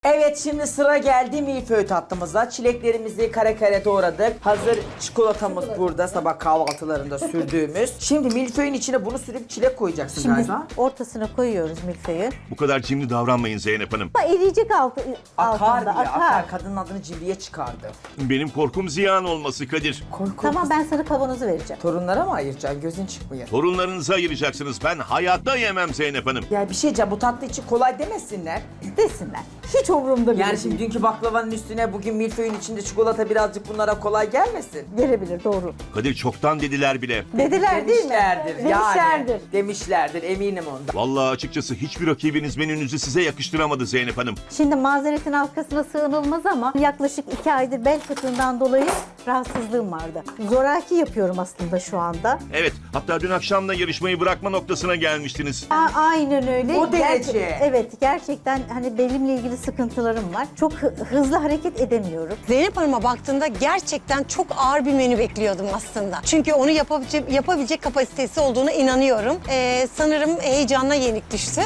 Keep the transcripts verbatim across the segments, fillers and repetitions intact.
Evet, şimdi sıra geldi milföy tatlımıza. Çileklerimizi kare kare doğradık. Hazır çikolatamız burada, sabah kahvaltılarında sürdüğümüz. Şimdi milföyün içine bunu sürüp çilek koyacaksın Şimdi galiba. ortasına koyuyoruz milföyü. Bu kadar cimri davranmayın Zeynep Hanım. Ama eriyecek altı, Akar altında, diye, akar. akar. Kadının adını cimriye çıkardı. Benim korkum ziyan olması Kadir. Koy koy. Tamam, ben sana kavanozu vereceğim. Torunlara mı ayıracaksın? Gözün çıkmıyor. Torunlarınızı ayıracaksınız. Ben hayatta yemem Zeynep Hanım. Ya bir şey diyeceğim, bu tatlı için kolay demesinler. Desinler. Hiç umurumda bile Yani değil. şimdi dünkü baklavanın üstüne bugün milföyün içinde çikolata birazcık bunlara kolay gelmesin. Gelebilir, doğru. Kadir çoktan dediler bile. Dediler değil mi? Demişlerdir yani. Demişlerdir. Demişlerdir, eminim ondan. Vallahi açıkçası hiçbir rakibiniz menünüzü size yakıştıramadı Zeynep Hanım. Şimdi mazeretin arkasına sığınılmaz ama yaklaşık iki aydır bel fıtığından dolayı rahatsızlığım vardı. Zoraki yapıyorum aslında şu anda. Evet, hatta dün akşam da yarışmayı bırakma noktasına gelmiştiniz. A- aynen öyle. O derece. Gerçek- evet, gerçekten hani belimle ilgili sıkıntılarım var. Çok hı- hızlı hareket edemiyorum. Zeynep Hanım'a baktığımda gerçekten çok ağır bir menü bekliyordum aslında. Çünkü onu yapabilecek, yapabilecek kapasitesi olduğuna inanıyorum. Ee, sanırım heyecanla yenik düştü.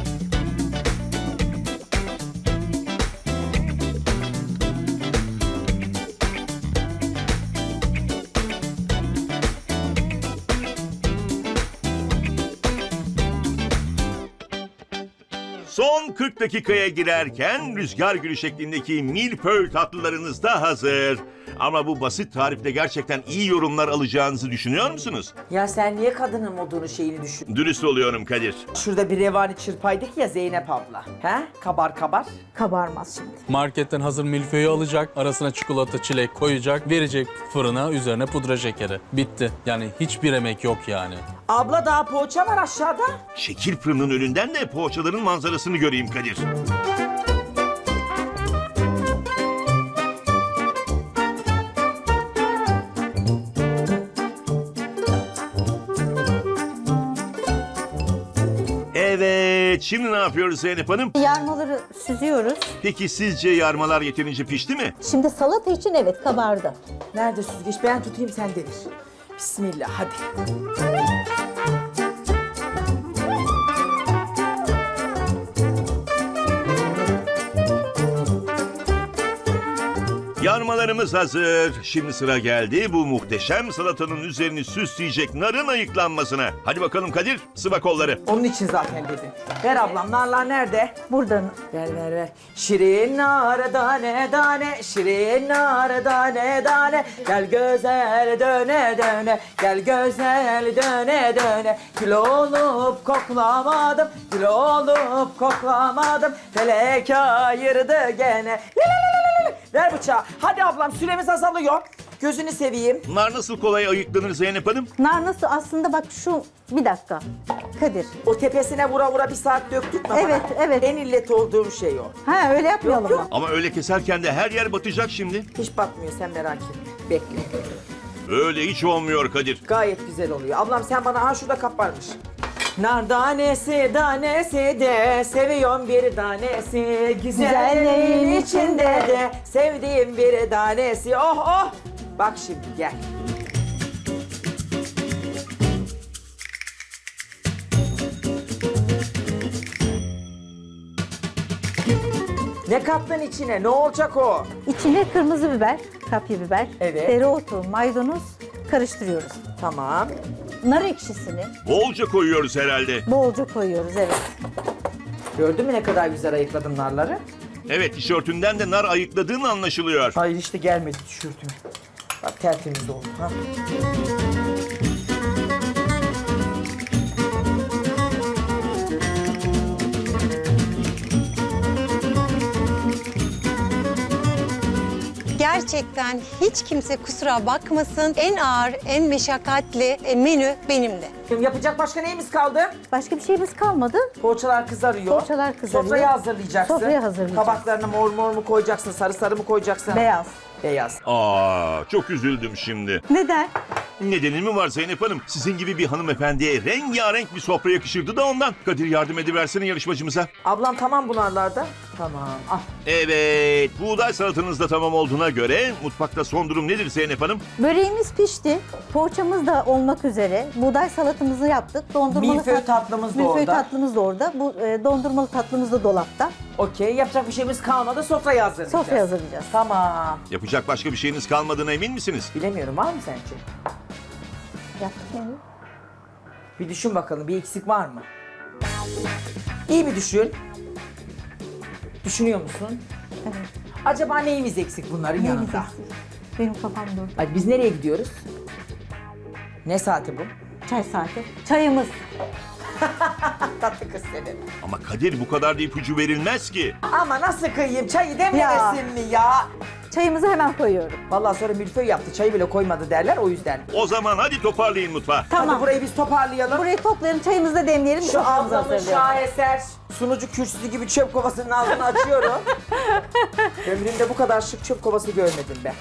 Son kırk dakikaya girerken rüzgar gülü şeklindeki milföy tatlılarınız da hazır. Ama bu basit tarifte gerçekten iyi yorumlar alacağınızı düşünüyor musunuz? Ya sen niye kadının modunu şeyini düşün? Dürüst oluyorum Kadir. Şurada bir revani çırpaydık ya Zeynep abla. He? Kabar kabar. Kabarmaz şimdi. Marketten hazır milföyü alacak, arasına çikolata, çilek koyacak, verecek fırına, üzerine pudra şekeri. Bitti. Yani hiçbir emek yok yani. Abla daha poğaça var aşağıda. Şekil fırının önünden de poğaçaların manzarasını göreyim Kadir. Evet, şimdi ne yapıyoruz Zeynep Hanım? Yarmaları süzüyoruz. Peki sizce yarmalar yeterince pişti mi? Şimdi salata için evet kabardı. Nerede süzgeç? Ben tutayım, sen devir. Bismillah, hadi. Yarmalarımız hazır. Şimdi sıra geldi bu muhteşem salatanın üzerini süsleyecek narın ayıklanmasına. Hadi bakalım Kadir, sıva kolları. Onun için zaten dedim. Ver ablam, narlar nerede? Buradan Ver ver ver. Şirin nar tane tane, şirin nar tane tane. Gel güzel döne döne, gel güzel döne döne. Gül olup koklamadım, gül olup koklamadım. Felek ayırdı gene. Ver bıçağı. Hadi ablam, süremiz azalıyor. Gözünü seveyim. Nar nasıl kolay ayıklanır Zeynep Hanım? nar nasıl aslında bak şu bir dakika Kadir. O tepesine vura vura bir saat döktük mü? Evet, bana? evet. En illet olduğum şey o. Ha öyle yapmayalım Yok, yok. mı? Ama öyle keserken de her yer batacak şimdi. Hiç batmıyor, sen merak etme. Bekle. Öyle hiç olmuyor Kadir. Gayet güzel oluyor. Ablam sen bana, ha şurada kap varmış. Nar tanesi tanesi de seviyorum bir tanesi. Güzelliğin içinde de sevdiğim bir tanesi. Oh oh. Bak şimdi gel. Ne kattın içine? Ne olacak o? İçine kırmızı biber, kapya biber, Evet. dereotu, maydanoz karıştırıyoruz. Tamam. Nar ekşisini Bolca koyuyoruz herhalde. bolca koyuyoruz evet. Gördün mü ne kadar güzel ayıkladım narları? Evet, tişörtünden de nar ayıkladığın anlaşılıyor. Hayır, işte gelmedi tişörtüme. Bak tertemiz oldu. Ha. Gerçekten hiç kimse kusura bakmasın. En ağır, en meşakkatli e, menü benimdi. Şimdi yapacak başka neyimiz kaldı? Başka bir şeyimiz kalmadı. Poğaçalar kızarıyor. Poğaçalar kızarıyor. Sofrayı hazırlayacaksın. Sofrayı hazırlayacağız. Tabaklarına mor mor mu koyacaksın, sarı sarı mı koyacaksın? Beyaz. Beyaz. Aa, çok üzüldüm şimdi. Neden? Nedeni mi var Zeynep Hanım? Sizin gibi bir hanımefendiye rengarenk bir sofra yakışırdı da ondan. Kadir yardım ediversene yarışmacımıza. Ablam tamam bunlarlarda. Tamam. Ah. Evet, buğday salatanız da tamam olduğuna göre mutfakta son durum nedir Zeynep Hanım? Böreğimiz pişti. Poğaçamız da olmak üzere. Buğday salatamızı yaptık. Dondurmalı Milföy tat- tatlımız da Milföy orada. tatlımız da orada. Bu e, dondurmalı tatlımız da dolapta. Okey. Yapacak bir şeyimiz kalmadı. Sofrayı hazırlayacağız. Sofraya hazırlayacağız. Tamam. Yapacak başka bir şeyiniz kalmadığına emin misiniz? Bilemiyorum. Var mı sence? Yaptık yani. Bir düşün bakalım. Bir eksik var mı? İyi bir düşün. Düşünüyor musun? Evet. Acaba neyimiz eksik bunların Neyimiz yanında? eksik? Benim kafam durdu. Ay, biz nereye gidiyoruz? Ne saati bu? Çay saati. Çayımız. Tatlı kız senin. Ama Kadir bu kadar da ipucu verilmez ki. Ama nasıl kıyayım? Çayı dememesin mi ya? Çayımızı hemen koyuyorum. Vallahi sonra milföy yaptı. Çayı bile koymadı derler o yüzden. O zaman hadi toparlayın mutfağı. Tamam. Hadi burayı biz toparlayalım. Burayı toplayalım, çayımızı da demleyelim. Şu soframızı ablamın hazırlayalım. şaheser sunucu kürsüsü gibi çöp kovasının ağzını açıyorum. Ömrümde bu kadar şık çöp kovası görmedim ben.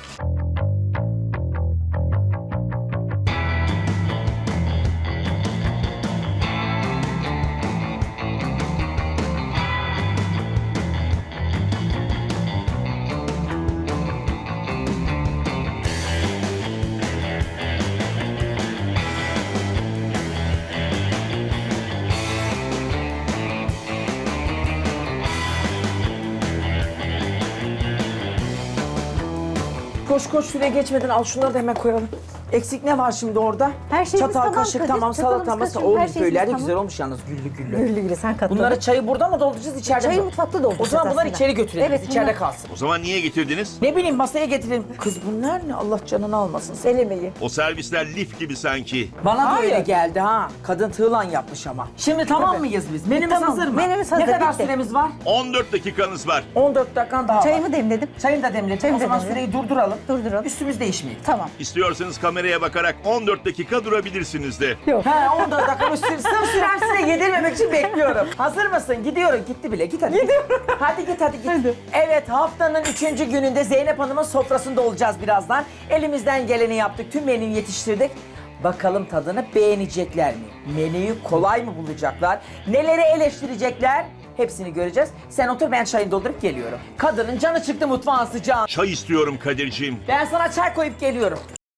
Koş koş süre geçmeden al şunları da hemen koyalım. Eksik ne var şimdi orada? Her şeyimiz Çatal, tamam kaşık Kadir, tamam, çatalımız, salatamız. kaşığımız, O her şeyimiz milföyler de tamam. güzel olmuş yalnız güllü güllü. Güllü güllü sen katla. Bunları çayı burada mı dolduracağız içeride Çayı mi? mutfakta O dolduracağız zaman bunları aslında. içeri götürelim. Evet, biz, içeride bunlar- kalsın. O zaman niye getirdiniz? Ne bileyim masaya getirelim. Kız bunlar ne? Allah canını almasın. Sen. Elemeyi. O servisler lif gibi sanki. Bana da Hayır. öyle geldi ha. Kadın tığlan yapmış ama. Şimdi tamam Tabii. mıyız biz? Menümüz Tamam, hazır mı? menümüz hazır, Ne kadar bitti. süremiz var? on dört dakikanız var. on dört dakikan daha var. Çayımı demledim. Çayını da demledim. Çayımı O zaman da süreyi durduralım. Durduralım. Üstümüz değişmeyelim. Tamam. İstiyorsanız kameraya bakarak on dört dakika durabilirsiniz de. Yok. He on dört dakika sır, sır süresine yedirmemek için bekliyorum. Hazır mısın? Gidiyorum. Gitti bile. Git hadi. Gidiyorum. Hadi git hadi git. Hadi. Evet haftanın üçüncü gününde Zeynep Hanım'ın sofrasında olacağız birazdan. Elimizden geleni yaptık. Tüm menüyü yetiştirdik. Bakalım tadını beğenecekler mi? Menüyü kolay mı bulacaklar? Neleri eleştirecekler? Hepsini göreceğiz. Sen otur ben çayını doldurup geliyorum. Kadının canı çıktı mutfağın sıcağı. Çay istiyorum Kadir'ciğim. Ben sana çay koyup geliyorum.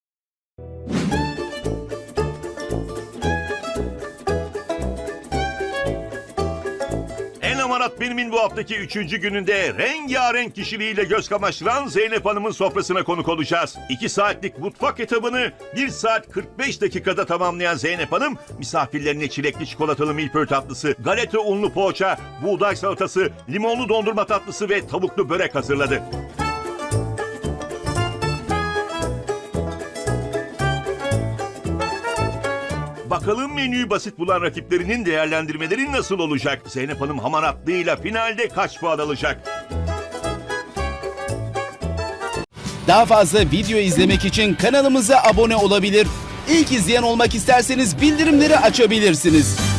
El Amarat Benim'in bu haftaki üçüncü gününde rengarenk kişiliğiyle göz kamaştıran Zeynep Hanım'ın sofrasına konuk olacağız. iki saatlik mutfak etabını bir saat kırk beş dakikada tamamlayan Zeynep Hanım, misafirlerine çilekli çikolatalı milföy tatlısı, galeta unlu poğaça, buğday salatası, limonlu dondurma tatlısı ve tavuklu börek hazırladı. Bakalım menüyü basit bulan rakiplerinin değerlendirmeleri nasıl olacak? Zeynep Hanım hamaratlığıyla finalde kaç puan alacak? Daha fazla video izlemek için kanalımıza abone olabilir. İlk izleyen olmak isterseniz bildirimleri açabilirsiniz.